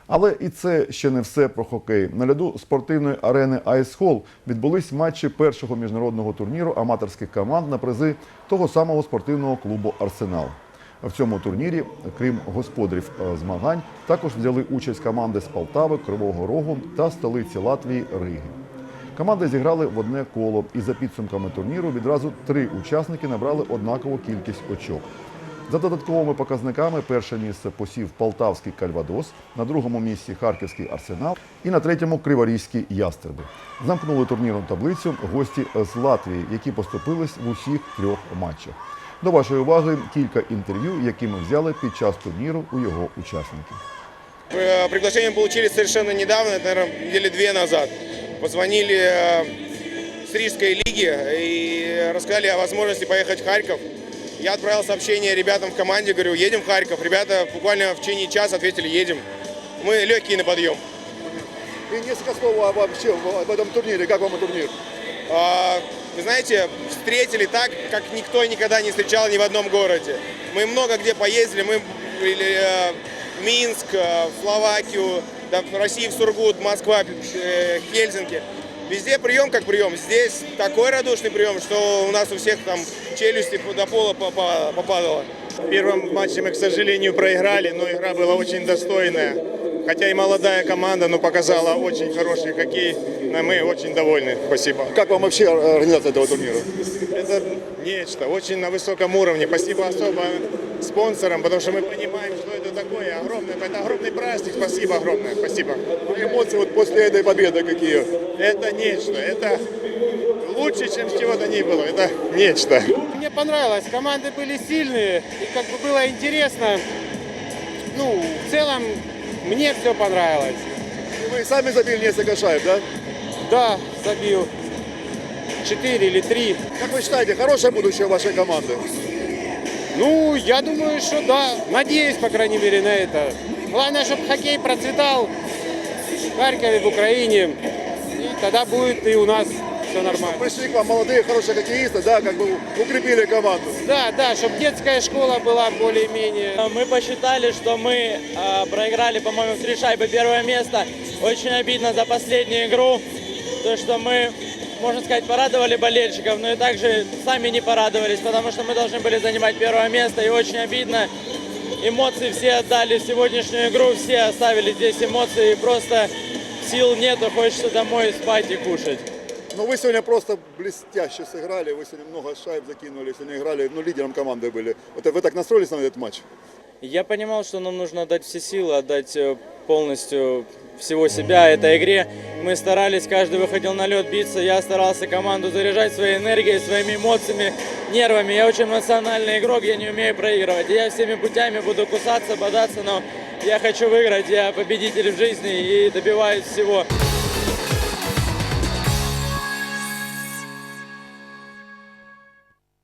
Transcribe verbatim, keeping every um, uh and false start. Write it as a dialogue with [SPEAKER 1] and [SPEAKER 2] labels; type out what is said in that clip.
[SPEAKER 1] Але і це ще не все про хокей. На льоду спортивної арени Ice Hall відбулись матчі першого міжнародного турніру аматорських команд на призи того самого спортивного клубу «Арсенал». В цьому турнірі, крім господарів змагань, також взяли участь команди з Полтави, Кривого Рогу та столиці Латвії Риги. Команди зіграли в одне коло, і за підсумками турніру відразу три учасники набрали однакову кількість очок. За додатковими показниками перше місце посів полтавський «Кальвадос», на другому місці харківський «Арсенал» і на третьому криворізькі «Ястребы». Замкнули турнірну таблицю гості з Латвії, які поступились в усіх трьох матчах. До вашої уваги кілька інтерв'ю, які ми взяли під час турніру у його учасників.
[SPEAKER 2] Приглашение получили совершенно недавно, это, наверное, недели две назад. Позвонили с Рижской лиги и рассказали о возможности поехать в Харьков. Я отправил сообщение ребятам в команде, говорю, едем в Харьков. Ребята буквально в течение часа ответили, едем. Мы легкие на подъем.
[SPEAKER 3] И несколько слов вообще об этом турнире. Как вам турнир?
[SPEAKER 2] А, вы знаете, встретили так, как никто никогда не встречал ни в одном городе. Мы много где поездили. Мы были в Минск, в Словакию, да, в России, в Сургут, Москва, Хельсинки. Везде прием как прием. Здесь такой радушный прием, что у нас у всех там челюсти до пола попадало.
[SPEAKER 4] В первом матче мы, к сожалению, проиграли, но игра была очень достойная. Хотя и молодая команда, но показала очень хороший хоккей. Но мы очень довольны. Спасибо.
[SPEAKER 3] Как вам вообще организация этого турнира?
[SPEAKER 4] Это нечто, очень на высоком уровне. Спасибо особо спонсорам, потому что мы понимаем, что это такое огромное. Это огромный праздник. Спасибо огромное. Спасибо.
[SPEAKER 3] Эмоции вот после этой победы какие?
[SPEAKER 4] Это нечто. Это лучше, чем с чего-то ни было. Это нечто.
[SPEAKER 5] Мне понравилось. Команды были сильные. И как бы было интересно. Ну, в целом, мне все понравилось.
[SPEAKER 3] И вы сами забили несколько шайб, да?
[SPEAKER 5] Да, забил. Четыре или три.
[SPEAKER 3] Как вы считаете, хорошее будущее вашей команды?
[SPEAKER 5] Ну, я думаю, что да. Надеюсь, по крайней мере, на это. Главное, чтобы хоккей процветал в Харькове, в Украине. И тогда будет и у нас все нормально.
[SPEAKER 3] Пришли к вам молодые, хорошие хоккеисты, да, как бы укрепили команду.
[SPEAKER 5] Да, да, чтобы детская школа была более-менее.
[SPEAKER 6] Мы посчитали, что мы э, проиграли, по-моему, в три шайбы первое место. Очень обидно за последнюю игру. То, что мы, можно сказать, порадовали болельщиков, но и также сами не порадовались, потому что мы должны были занимать первое место. И очень обидно. Эмоции все отдали в сегодняшнюю игру, все оставили здесь эмоции. И просто сил нету, хочется домой спать и кушать.
[SPEAKER 3] Но вы сегодня просто блестяще сыграли, вы сегодня много шайб закинули, сегодня играли, ну, лидером команды были. Вот вы так настроились на этот матч?
[SPEAKER 6] Я понимал, что нам нужно отдать все силы, отдать полностью всего себя этой игре. Мы старались, каждый выходил на лед биться. Я старался команду заряжать своей энергией, своими эмоциями, нервами. Я очень эмоциональный игрок, я не умею проигрывать. Я всеми путями буду кусаться, бодаться, но я хочу выиграть. Я победитель в жизни и добиваюсь всего.